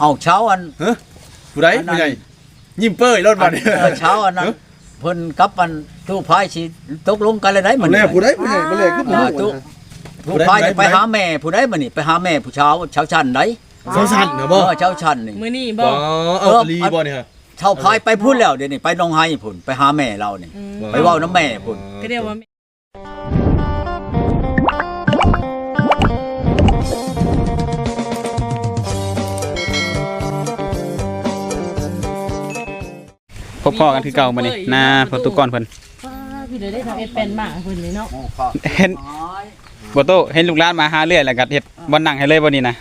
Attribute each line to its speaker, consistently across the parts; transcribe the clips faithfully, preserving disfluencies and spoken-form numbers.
Speaker 1: เอาเช้าอัน
Speaker 2: ฮะผู้ใดผู้ใหญ่ยิ้มเป้ยรถบัดนี้
Speaker 1: เช้าอันนั้นเพิ่นกับอันตู้พายสิตกลงกันเลยได้มื้อนี้
Speaker 2: ผู้ใดผู้ใหญ่บ่แลคือผู้
Speaker 1: ตู้ผู้พายจะไปหาแม่ผู้ใดมื้อนี้ไปหาแม่ผู้เช้าเช้าชั้นได
Speaker 2: เช้าชั้นเนาะบ่
Speaker 1: เออเช้าชั้นนี่
Speaker 3: มื้อนี้บ่
Speaker 2: เออลีบ่นี่ฮะ
Speaker 1: เช้าพายไปพุ่นแล้วเดี๋ยวนี้ไปหนองไห้พุ่นไปหาแม่เรานี่ไปเว้าน้ำแม่พุ่น
Speaker 3: ก็เรียกว่า
Speaker 4: พบพ่อกันคือเก่ามานี่นาประตูก่อนเพิ่น
Speaker 3: พี่เด้ได้ทำเอ็ดเป็นมากเพิ่นนี่เนาะ
Speaker 4: เห็นบ่โตเห็นลูกหลานมาหาเรื่อยแล้วก็เฮ็ดบ่นั่งให้เลยบ่นี่นะ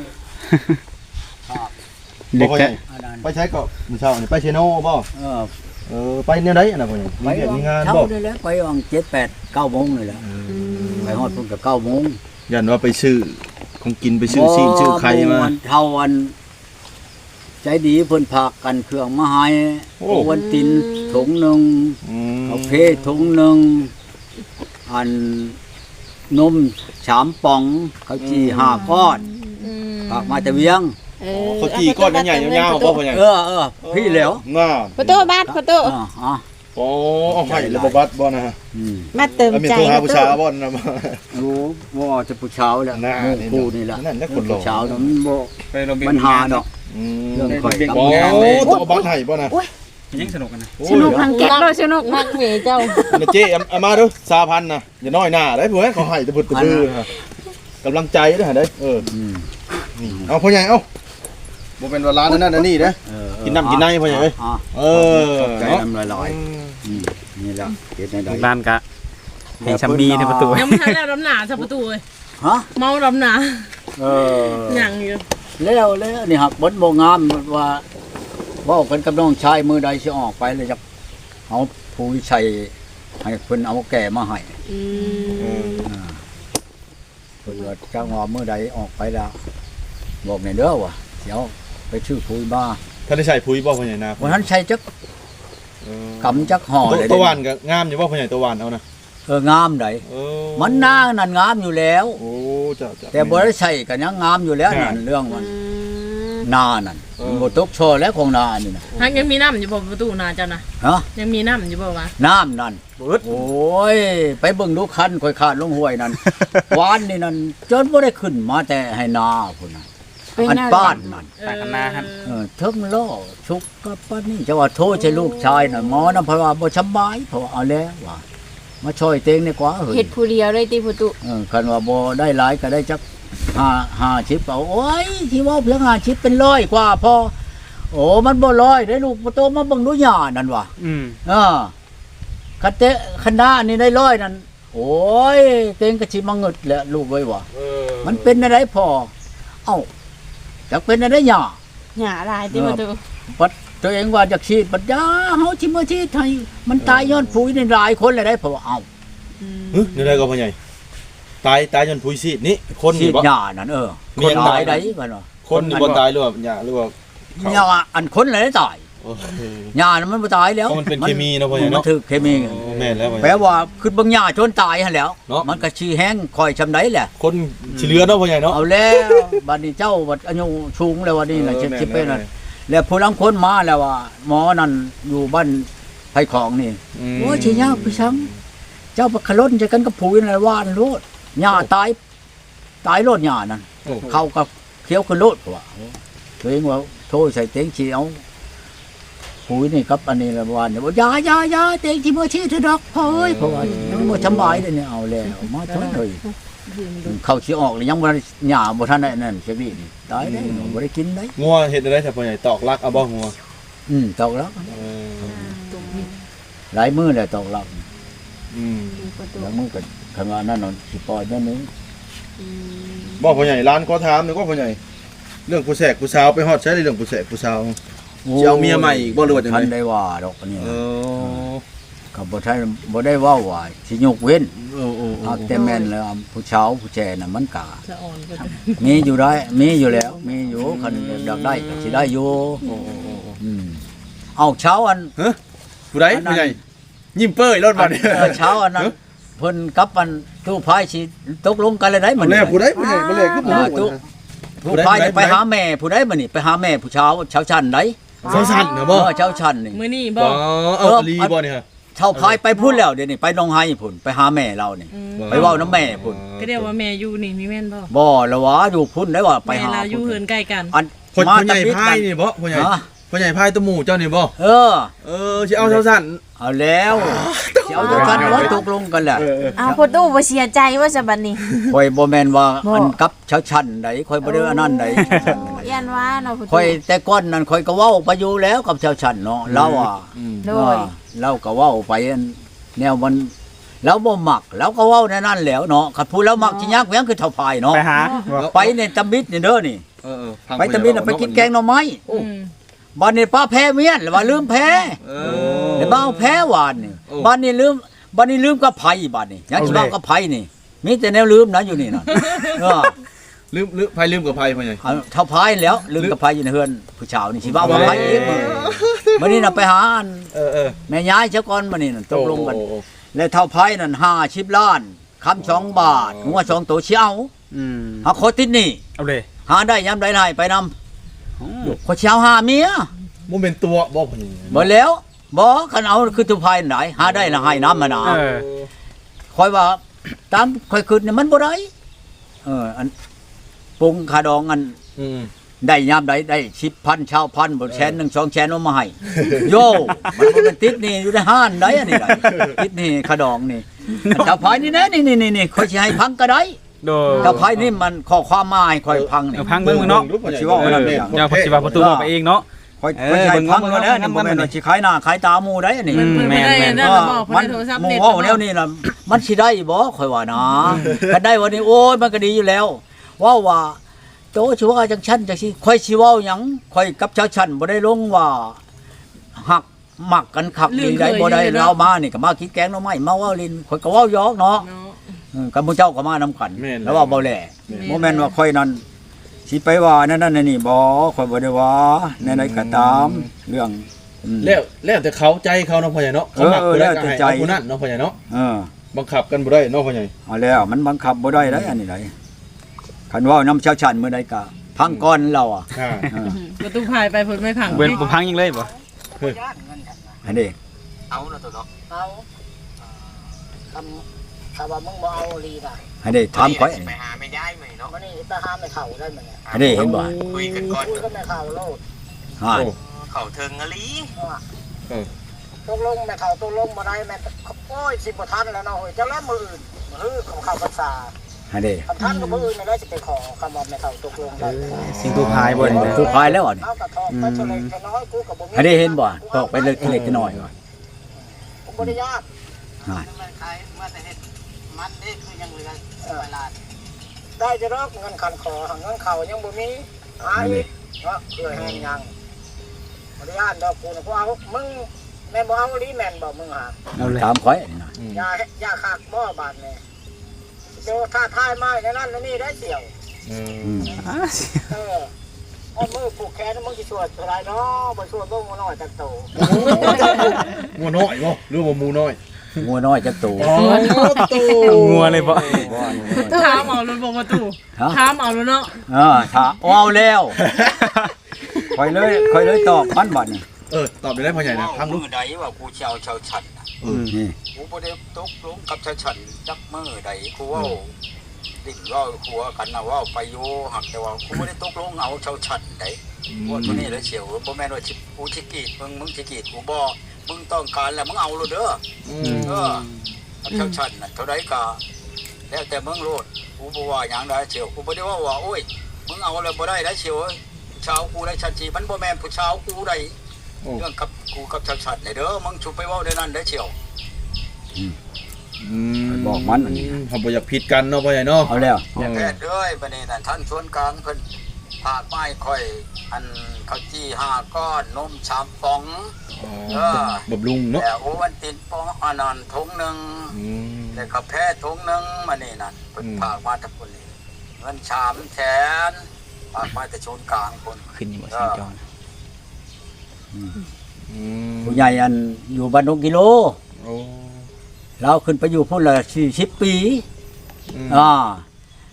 Speaker 2: เด็กไปใช้ก็มื้อเช้านี่ไปเชโน่บ่เออเออไปแนวใดอันน่ะพ่อใหญ่มีเวียกมีงานบ่
Speaker 1: เช้าได้แล้วไปวางเจ็ด แปด เก้าโมงนี่แหละไปฮอดพุ่นก็เก้าโมง
Speaker 2: ยันว่าไปซื้อของกินไปซื้อซีนซื้อไข่มา
Speaker 1: เท่าวันใจดีเพิ่นพากันเครื่องมาให้วันตินถุงนึงกาแฟถุงนึงอันนมสามป่องข้าวจี่ห้าก้อนฝากมาแต่เวียง
Speaker 2: ข้าวจี่ก้อนใหญ่ๆยาวๆบ่พ่อใหญ่
Speaker 1: เออเออพี่แล้ว
Speaker 2: น่า
Speaker 3: ประตูบ้านประตู
Speaker 1: อ๋อ
Speaker 2: โอ้เอาให้ระบบบัตรบ่นะฮะ
Speaker 3: มาเติมใจ
Speaker 2: มีตัวหาผู้ชายบ่นะ
Speaker 1: รู้ว่าจะผู้ชายแล้วผู้นี่ล่ะ
Speaker 2: นั่นแหละคนรอ
Speaker 1: ผู้ชายมันบ่
Speaker 4: ไปโรงเรียน
Speaker 1: ปัญหาดอก
Speaker 2: เรื่องข่อยกับโอ้ตัวบัตรให้บ่นะ
Speaker 4: ยังสนุกกันนะ
Speaker 3: สนุกทางแก๊กเลยสนุกมากเมเจ้า
Speaker 2: อันเจ๊เอามาดูสามพันนะอย่าน้อยหน้าได้เพื่อนเขาให้ตะบุดตะบือกำลังใจด้วยฮะได้เออเอาพ่อใหญ่เอาบ่เป็นว่าร้านนั่นนั่นนี่เด้กินน้ำกินในพ่อใหญ่เออ
Speaker 1: ใจน้ำลอยๆนี่แหละเฮ็ดได้
Speaker 4: ร้านกะให้ชัมมีในประตู
Speaker 3: ยังไม่ทันแล้วรำหนาซะประตูเลย
Speaker 1: ฮะ
Speaker 3: เมารำหนา
Speaker 1: เออ
Speaker 3: ยังอยู่
Speaker 1: แล้วแล้วนี่ครับบ่บ่งามว่าเว้ากันกับน้องชายมือใดสิออกไปเลยจักเอาผู้วิชัยให้เพิ่นเอาแก่มาให้อืมอ่าเพิ่นว่าจักว่ามื้อใดออกไปแล้วบอกแน่เด้อว่าเดี๋ยวไปชื่อปุ๋ยมา
Speaker 2: ท่านได้ใช้ปุ๋ยบ่พ่อใหญ่นา
Speaker 1: วันนั้นใช้จักกำจักห่อเลย
Speaker 2: ตะวันก็งามอยู่บ่พ่อใหญ่ตะวันเอานะ
Speaker 1: เอองามไดมันนางนั่นงามอยู่แล้ว
Speaker 2: โอ้จ้ะ
Speaker 1: แต่บ่ได้ใช้ก็ยังงามอยู่แล้วนั่นเรื่องมันนานั่นบ่ตกโชว์แล้วของนานี่นะ
Speaker 3: ฮักยังมีน้ำอยู่บ่ประตูนาเจ้านะ
Speaker 1: ฮะ
Speaker 3: ยังมีน้ำอยู่บ่วะ
Speaker 1: น้ำนั่นโอ้ยไปเบิ่งดูคันค่อยขาดลงห้วยนั่นหวานนี่นั่นจนบ่ได้ขึ้นมาแต่ให้นาพุ่นน่ะอันป้านนั่น
Speaker 4: ตาคณาครับ
Speaker 1: เออเทิงล้อชุกกับป้านนี่จะว่าโทษใช่ลูกชายน่ะหมอนำเพราะว่าบ่สบายเพราะเอาแล้วว่ามาช่วยเต็งดีกว่า
Speaker 3: เฮ็ดผู้เดียวได้ติประตู
Speaker 1: เออคันว่าบ่ได้หลายก็ได้จักห้าห้าชิปเอาโอ้ยที่ว่าเพียงห้าชิปเป็นร้อยกว่าพอโอ้มันบ่ร้อยได้ลูกบ่โตมาเบิ่งดูหญ้านั่นว่ะอืมเออคันเตะคณะนี่ได้ร้อยนั่นโอ้ยเต็งก็สิมาเงิดแหละลูกเอ้ยว่ะมันเป็นอะไรพอเอ้าจักเป็นอะไรหญ้า
Speaker 3: หญ้าหลายติประตู
Speaker 1: ปัดตัวเองว่าจักฉีดปัดยาเฮาสิมาฉีดให้มันตายย้อนปุ๋ยนี่หลายคนเลยได้เพราะว่าเอ้า
Speaker 2: หึนี่ได้ก็พ่อใหญ่ตายตายจนปุ๋ยซีดนี่คน
Speaker 1: นี่บ่หญ้านั่นเออคนตายได้บ่เนาะ
Speaker 2: คนนี่บ่ตายหรือว่าหญ้าหรือว่า
Speaker 1: หญ้าอันคนเลยตายหญ้ามันบ่ตายแล้ว
Speaker 2: มันเป็นเคมีเนาะพ่อใหญ่เนาะ
Speaker 1: มันถือเคมี
Speaker 2: แม่นแล้ว
Speaker 1: แปลว่าคือบ่หญ้าจนตายหั่นแล้วมันก็สิแห้งค่อยชำไดแหละ
Speaker 2: คนสิเหลือเนาะพ่อใหญ่เนาะ
Speaker 1: เอาแล้วบัดนี้เจ้าบัดอายุสูงแล้วว่านี่น่ะสิเป็นนั่นแล้วผู้ลังคนมาแล้วว่าหมอนั่นอยู่บ้านไผของนี่โอ้ยสิยากพี่ช้ำเจ้าบ่ขล้นใจกันกับผู้นั่นว่านโลดหญ้าตายตายโลดหญ้านั่นเข้ากับเขียวขึ้นโลดว่าตัวเองว่าโทษใส่เต็งสิเอาปุ๋ยนี่กับอันนี้ละวันเนี่ยบ่ยายายาเต็งสิบ่ชี้เถอะดอกพ่อเอ้ยเพราะว่ามันบ่สบายเลยเนี่ยเอาแล้วมาทนเลยเข้าสิออกแล้วยังบ่หญ้าบ่ทันได้นั่นจักนี่ตายแล้วบ่ได้กินได้
Speaker 2: งัวเฮ็ดได้แต่พ่อใหญ่ตอกลักเอาบ่งัว
Speaker 1: อืมตอกลักหลายมื้อแล้วตอกลักอืมแล้วมื้อก็คันว่านั่นน่ะสิปล่อยแม่นึง
Speaker 2: บ่พ่อใหญ่ร้านก็ถามนึกว่าพ่อใหญ่เรื่องผู้แสกผู้สาวไปฮอดใช้เรื่องผู้แสกผู้สาวสิเอาเมียใหม่อีกบ่รู้ว่าจังได๋
Speaker 1: ทันได้ว่าดอกอันนี้เออก็บ่ทันบ่ได้เว้าว่าสิยกเว้นเออๆแต่แม่นแล้วผู้สาวผู้แจน่ะมันก็มีอยู่ได้มีอยู่แล้วมีอยู่คันอยากได้ก็สิได้อยู่อืมเอาเช้าอัน
Speaker 2: ฮะผู้ใดผู้ใหญ่ยิ้มเป้ยรถบัดนี้
Speaker 1: เช้าอันนั้นเพิ่นกับอันตู้พายสิตกลงกันเลยได้มื้อนี้
Speaker 2: ผู้ใดผู้ใหญ่บ่แลคือผู้
Speaker 1: ผู้พายเนี่ยไปหาแม่ผู้ใดมานี่ไปหาแม่ผู้เช้าเช้าชันไหน
Speaker 2: เซาสั่นเนาะบ่
Speaker 1: เออเช้าชันนี่
Speaker 3: มื้อนี้
Speaker 2: บ่
Speaker 3: บ่
Speaker 2: เอาลีบ่เนี่ยฮะ
Speaker 1: เช้าพายไปพูดแล้วเดี๋ยวนี้ไปหนองไห้พุ่นไปหาแม่เรานี่
Speaker 3: อืม
Speaker 1: ไปเว้าน้ำแม่พุ่น
Speaker 3: ก็เรียกว่าแม่อยู่นี่มีแม่นบ่
Speaker 1: บ่ละวะอยู่พุ่นได้ว่าไป
Speaker 3: แม่
Speaker 1: หา
Speaker 3: เราอยู่
Speaker 1: พุ่น
Speaker 3: เฮือนใกล้กัน
Speaker 1: อัน
Speaker 2: พ่อ
Speaker 1: มา
Speaker 2: พ่อใหญ่
Speaker 1: ตะบิด
Speaker 2: พายนี่บ่พ่อใหญ่
Speaker 1: ฮะ
Speaker 2: พ่อใหญ่พายตะหมู่เจ้านี่บ่
Speaker 1: เออ
Speaker 2: เออสิเอาเซาสั่น
Speaker 1: เอาแล้วสิเอาด้วยกันว่าตกลงกันแหละ
Speaker 3: อ้าวพ่อตู้บ่เสียใจว่าจะบัดนี้
Speaker 1: ข่อยบ่แม่นว่า
Speaker 3: บ่
Speaker 1: อันกับเช้าชันใดข่อยบ่ได้อันนั้นใด
Speaker 3: ยันว่าเนาะพ่อ
Speaker 1: ข่อย
Speaker 3: ตู้
Speaker 1: แต่ก่อนนั้นข่อยก็เว้าไปอยู่แล้วกับเช้าชันเนาะเราอ่ะ
Speaker 2: อืม
Speaker 3: โดย
Speaker 1: เออเราก็เว้าไปอันแนวมันแล้วบ่มักแล้วก็เว้าในนั้นแหล้วเนาะคันพูดแล้วมักสิยากเวียงคือเท่าพายเนาะ
Speaker 4: ไปหา
Speaker 1: ไปในตำบิดนี่เด้อนี่
Speaker 2: เออๆฟัง
Speaker 1: ไปตำบิดน่ะไปกินแกงหน่อไม้
Speaker 3: อืม
Speaker 1: บ้านนี้ป้าแพ้เมียนแล้วว่าลืมแพ้
Speaker 2: เอ
Speaker 1: แล้วบ้าเอาแพ้หวานนี่
Speaker 2: โอ้
Speaker 1: บ้านนี้ลืมบ้านนี้ลืมกับไผบ้านนี้ยังสิบ้ากับไผนี่มีแต่แนวลืมนะอยู่นี่น่ะเออ
Speaker 2: ลืมลืมพายลืมกับพายพ่อใหญ่
Speaker 1: เอาเท่าพายแล้วลืมกับไผอยู่ในเฮือนผู้ชาวนี่สิบ้ากับไผอีกมื้อมื้อนี้น่ะไปหาอัน
Speaker 2: เออเออ
Speaker 1: แม่ยายเจ้าก่อนมื้อนี้น่ะตกลงกัน
Speaker 2: โอ้โอ้
Speaker 1: แล้วเท่าพายนั่นห้าสิบล้านคำสองบาท
Speaker 2: อ๋อ
Speaker 1: หัวสองตัวสิเอา
Speaker 4: อืม
Speaker 1: หาขอติดหนี่
Speaker 4: เอาเลย
Speaker 1: หาได้ยามใดได้ไปนำขอสิเอาหาเมีย
Speaker 2: บ่เป็นตัวบ่พ่อใหญ่
Speaker 1: บ่แล้วบ่คันเอาคือทุพายไหนหาได้ละให้น้ำมานา
Speaker 4: เออ
Speaker 1: คอยว่าตามคอยคืนนี่มันบ่ได้เอออันปรุงขาดองอัน
Speaker 2: อืม
Speaker 1: ได้ยามใดได้สิบพันชาวพันบ่แสนหนึ่งสองแสนเอามาให้ โยมันบ่เป็นติดนี่อยู่ในห้านได้อันนี้ได้ติดนี่ขาดองนี่อันเจ้าพายนี่นะนี่นี่นี่คอยสิให้พังก็ได้
Speaker 4: โดย
Speaker 1: เจ้าพายนี่มันข้อความมาให้คอยพังนี่
Speaker 4: เอาพังเบิ่งมึงเนาะ
Speaker 1: สิว่า
Speaker 4: เอ
Speaker 1: ว่านั่น
Speaker 4: อ
Speaker 1: แหละ
Speaker 4: เจ้าพอสิว่าประตูบอกไปเองเนาะ
Speaker 1: คอย
Speaker 4: เอ
Speaker 1: คอย
Speaker 4: อ
Speaker 1: สิให้พัง
Speaker 4: เบิ่ง
Speaker 1: แล้ว
Speaker 4: เบิ่ง
Speaker 1: นี่บ่แม่น
Speaker 4: เบิ่ง
Speaker 1: ว่าสิขายหน้าขายตาหมู่ได้อันนี้
Speaker 4: อืม
Speaker 3: เพิ่นบ่ได้นั่น
Speaker 1: เอ
Speaker 3: น่ะ
Speaker 1: อ
Speaker 3: บอกเพิ่
Speaker 1: มัน น
Speaker 3: ได้โทรศัพท์
Speaker 1: หมู่
Speaker 3: เน็ต
Speaker 1: เว่าแนวนี้ล่ะมันสิได้บ่ข่อยว่านะก็ได้วันนี้โอ้ยมันก็ดีอยู่แล้วเว่าว่าโตชัวจังชั้นจังซี่ข่อยสิเว้าหยังข่อยกับชาวชั้นบ่ได้ลงว่าหักมักกันคักดีได้บ่ได้เรามานี่ก็มากินแกงหน่อไม้มาเว้าลินข่อยก็เว้าหยอกเนาะ
Speaker 3: เนาะ
Speaker 1: เออกับหมู่เจ้าก็มานํกัน
Speaker 2: แม่น
Speaker 1: แล้วว่าบ่แล
Speaker 3: แม่น
Speaker 1: บ่แม่นว่าข่อยนั้นสิไปว่านั่นนั่นนี่บ่ข่อยบ่ได้ว่าในใดก็ตามเรื่องอืม
Speaker 2: แล้วแล้วแต่เขาใจเขาเนาะพ่อใหญ่เนาะเขามัก
Speaker 1: เออ
Speaker 2: ผู้ใด
Speaker 1: แล้ว
Speaker 2: ก็
Speaker 1: แต่
Speaker 2: ให้
Speaker 1: ใจ
Speaker 2: เอาผู้นั้นเนาะพ่อใหญ่เนาะ
Speaker 1: เออ
Speaker 2: บังคับกันบ่ได้เนาะพ่อใหญ่
Speaker 1: เอาแล้วมันบังคับบ่ได้ได้อันนี้ได้คันเว่าน้ำเช้าชันมื้อใดก็พังก่อนเราอ่ะ
Speaker 2: อ่า
Speaker 1: เออ
Speaker 3: ประตูพายไปเพิ่นไม่พัง
Speaker 4: เว้นบ่พังยังเลยบ่
Speaker 1: อันนี้
Speaker 5: เอาแล้วตัวเนาะเอาทำถ้าว่ามึงบ่เอาลีน่ะ
Speaker 1: อันนี้ถามข่อยอัน
Speaker 5: ไป
Speaker 1: นี้
Speaker 5: หาไม่ย้ายไหมเนาะมันนี่ไปหาไม่เข้าได้มั้ยเนี่ย
Speaker 1: อันนี้เห็นบ่
Speaker 5: คุยกันก่อนคุยกันไม่เข้าโลด
Speaker 1: ฮะ
Speaker 2: โอ้
Speaker 5: เข้าเทิงอะลี
Speaker 2: เออ
Speaker 5: ตกลงไม่เข้าตกลงบ่ได้แม่โอ้ยสิบ่ทันแล้วเนาะเฮ้ยจะแล้วมื้ออื่นมื้อของเข้าพรรษา
Speaker 1: อันนี้
Speaker 5: คำทันก็มื้ออื่นไม่ได้สิไปขอคำว่าไม่เข้าตกลงได้
Speaker 4: สิงตูพายบ่นี่
Speaker 1: ผู้พายแล้วอันนี้
Speaker 5: เอากระทอกไปเฉลยแค่น้อยกูก็บ่มี
Speaker 1: อันนี้เห็นบ่ตอกไปเล็กๆน้อยๆว่ะ
Speaker 5: ผมบ่ได้ยาก
Speaker 1: ฮะ
Speaker 5: มันขายมาแต่เฮ็ดมันนี่คือยังเหลือเวลาได้จะรอกเงินคันขอหังเงินเข้ายังบ่มีหาอีกเนาะเพื่อแห้งยังบ่ได้ย่านดอกกูน่ะกูเอามึงแม่บ่เอาลีแม่นบ่มึงหา
Speaker 4: เอาเลย
Speaker 1: ถามข่อยอันนี้นะ
Speaker 2: อืม
Speaker 5: อย่าอย่าคักบ่บาดแม่เดี๋ยวถ้าทายมาอย่างนั้นแล้วนี่ได้เสี่ยว
Speaker 2: เออ
Speaker 1: อืม
Speaker 5: เออเอามือผูกแขนมึงสิช่วยเท่าไรเนาะบ่ช่วยบ่งน้อยจักโต
Speaker 2: งัวน้อยบ่หรือว่าหมูน้อย
Speaker 1: งัวน้อยจักตู
Speaker 2: อ๋อตู
Speaker 4: งัวเลยบ่
Speaker 3: ถามเอารถบ่ประตู
Speaker 1: ฮะ
Speaker 3: ถามเอารถเนาะ
Speaker 1: เออถ้าเอาแล้วข่อยเลยข่อยเลยตอบมันบัดนี่
Speaker 2: เออตอบได้พ่อใหญ่นะพังลูก
Speaker 5: มือใดว่ากูสิเอาชาวฉันน่ะ
Speaker 1: นี่
Speaker 5: กูบ่ได้ตกลงกับชาวฉันจักมือใดกูเว้าดิ้นเว้าขัวกันน่ะเว้าไปอยู่หักแต่ว่ากูบ่ได้ตกลงเอาชาวฉันใดว่าตัวนี้เลยเฉียวบ่แม่นว่าสิกูสิกรีดมึงมึงสิกรีดกูบ่มึงต้องการแล้วมึงเอาโลดเด้อ
Speaker 2: อื
Speaker 5: อ
Speaker 2: ม
Speaker 5: เออเจ้าชันน่ะเท่าไรก็แล้วแต่มึงโลดกูบ่ว่าหยังได้เชียวกูบ่ได้ว่าว่าโอ้ยมึงเอาแล้วบ่ได้ได้เชียวชาวกูได้ชันจีมันบ่แม่นผู้ชาวกูได้
Speaker 2: โอ้
Speaker 5: เรื่องกับกูกับชาวชันนี่เด้อมึงชุบไปเว้าได้นั่นได้เชียว
Speaker 2: อืม
Speaker 1: บอกมันอันนี้
Speaker 2: เขาบ่อยากผิดกันเนาะพ่อใหญ่เนาะ
Speaker 1: เอาแล้ว
Speaker 2: เออ
Speaker 5: แพทย์เอ้ยบัดนี้นั่นท่านส่วนกลางเพิ่นผากไม้ค่อยอันข้าวจี้ห้าก้อนนมสามฟอง
Speaker 2: อ๋อ
Speaker 5: เออ
Speaker 2: บำรุงเนาะ
Speaker 5: แล้วโอวันตินปองอันนั้นถุงหนึง
Speaker 2: อืม
Speaker 5: แล้วก็แพทย์ถุงหนึงมานี่นั่นเพิ่น
Speaker 2: อืม
Speaker 5: ผากมาทั้งคนนี้เงินสามแสนผากมาแต่ชนกลางคน
Speaker 4: ขึ้นอยู่บ่สิงจอน
Speaker 2: อืม
Speaker 1: ผู้ใหญ่อันอยู่บ้านดงกิโล
Speaker 2: โอ้
Speaker 1: เราขึ้นไปอยู่พุ่นละสี่สิบปี
Speaker 2: อืม
Speaker 1: อ่า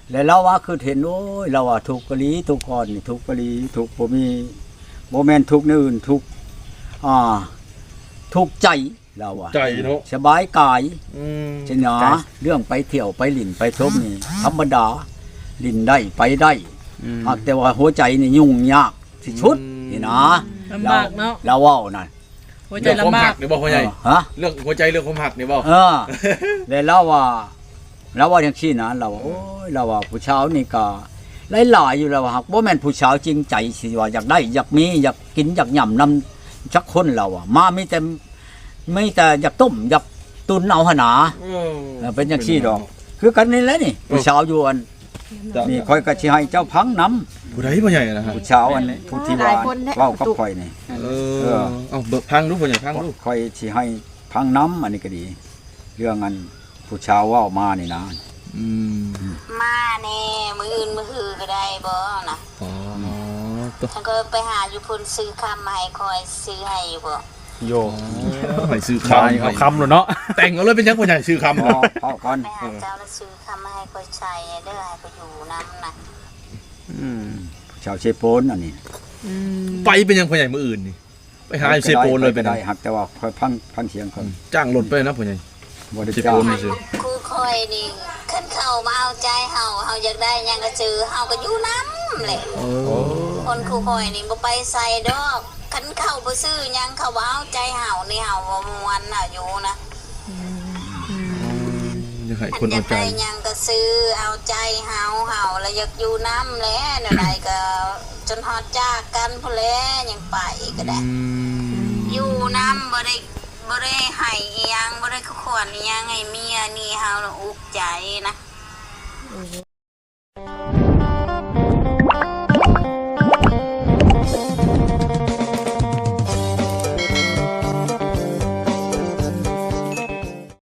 Speaker 1: แล้วเราว่าคือเห็นโอ้ยเราว่าทุกข์กะลีทุกข์ก่อนนี่ทุกข์กะลีทุกข์บ่มีบ่แม่นทุกข์ในอื่นทุกข์อ่าทุกข์ใจเราว่า
Speaker 2: ใจเนาะ
Speaker 1: สบายกาย
Speaker 2: อืม
Speaker 1: ใช่หนาเรื่องไปเที่ยวไปหลินไปชมนี่ธรรมดาหลินได้ไปได้หากแต่ว่าหัวใจนี่ยุ่งยากที่สุดนี่นะ
Speaker 3: ลำบากเนาะ
Speaker 1: เราเว้านั่น
Speaker 3: หัวใจ
Speaker 2: เรื่องความ
Speaker 3: ลำบา
Speaker 2: หั
Speaker 3: ก
Speaker 2: กนี่บ่พ่อใหญ่
Speaker 1: ฮะ
Speaker 2: เรื่องหัวใจเรื่องความหักนี่บ่
Speaker 1: เออแล้วเราว่าเราว่าอย่างซี่นะเราว่าโอ้ยเราว่าผู้ชาวนี่ก็หลายๆอยู่แล้วว่าหากบ่แม่นผู้ชาวจริงใจสิว่าอยากได้อยากมีอยากกินอยากหย่ำนำจักคนเราอ่ะมามีแต่มีแต่อยากต้มอยากตุนเอาหนนา
Speaker 2: เอ
Speaker 1: เออเป็นอย่างซี่ดอก คือกันนี่แหละนี่ผู้ชาวอยู่อันนี่ค่อยก็สิให้เจ้าพังนำ
Speaker 2: ผู้ใดพ่อใหญ่นะฮะ
Speaker 1: ผู้ชาวอันนี้ผู้ที่ว่าเว้ากับข่อยนี่
Speaker 2: เออเอาเบิกพังดูพ่อใหญ่พังดู
Speaker 1: ค่อยสิให้พังน้ำอันนี้ก็ดี เรื่องอันผู้ชาวเว้ามานี่นะ
Speaker 2: อืม
Speaker 6: มาแน่มืออื่นมือหือก็ได้บ่นะ
Speaker 2: อ๋อตัว
Speaker 6: ฉันก็ไปหาอยู่พุ่นซื้อคำมาให้คอยซื้อให้อยู่บ่
Speaker 4: โย
Speaker 2: ให้ซื้อ
Speaker 4: คำ
Speaker 2: คำ
Speaker 4: เอาคำเลยเนาะ
Speaker 2: แต่งเอาเลยเป็นยังพ่อใหญ่ซื้อคำ
Speaker 1: พอ
Speaker 2: เนาะ
Speaker 1: พอก่อน
Speaker 6: ไปหาเจ้าแล้วซื้อคำมาให้คอยใช้เด้อให้คอยอยู่น้ำนะ
Speaker 4: อืม
Speaker 1: ผู้ชาวเชโปนอันนี้
Speaker 3: อืม
Speaker 2: ไปเป็นยังพ่อใหญ่มืออื่นนี่ไปหาอยู่เซโปนเลยเป็น
Speaker 1: ได้
Speaker 2: ยัง
Speaker 1: หักแต่ว่าค่อยพังพังเสียงก่อน
Speaker 2: จ้างรถไปนะพ่อใหญ่
Speaker 1: บ่ได้
Speaker 2: เช
Speaker 1: จ้า
Speaker 2: โป
Speaker 1: ง
Speaker 2: นนี่สิ
Speaker 6: คือคอยนี่ขึ้นเข้ามาเอาใจเฮาเฮาอยากได้หยังก็ซื้อเฮาก็อยู่น้ำแหละ
Speaker 2: เออ
Speaker 6: คนคือคอยนี่บ่ไปใส่ดอกคันเข้าบ่ซื้อหยังเขาบ่เอาใจเฮานี่เฮาบ่ม่วนน่ะอยู่นะ
Speaker 2: อยากให้
Speaker 6: อั
Speaker 2: คน
Speaker 6: นอ
Speaker 2: เอา
Speaker 6: ยาก
Speaker 2: ใจ
Speaker 6: ได้หยังก็ซื้อเอาใจเฮาเฮาแล้วอยากอยู่น้ำแหละเดี๋ยวใดก็จนฮอดจากกันพุ่นแหละยังไปก็ได้
Speaker 2: อืม
Speaker 6: อยู่น้ำบ่ได้บ่ได้ให้อิหยังบ่ได้ขวนอิหยังให้เมียนี่เฮาน่ะอุกใจนะ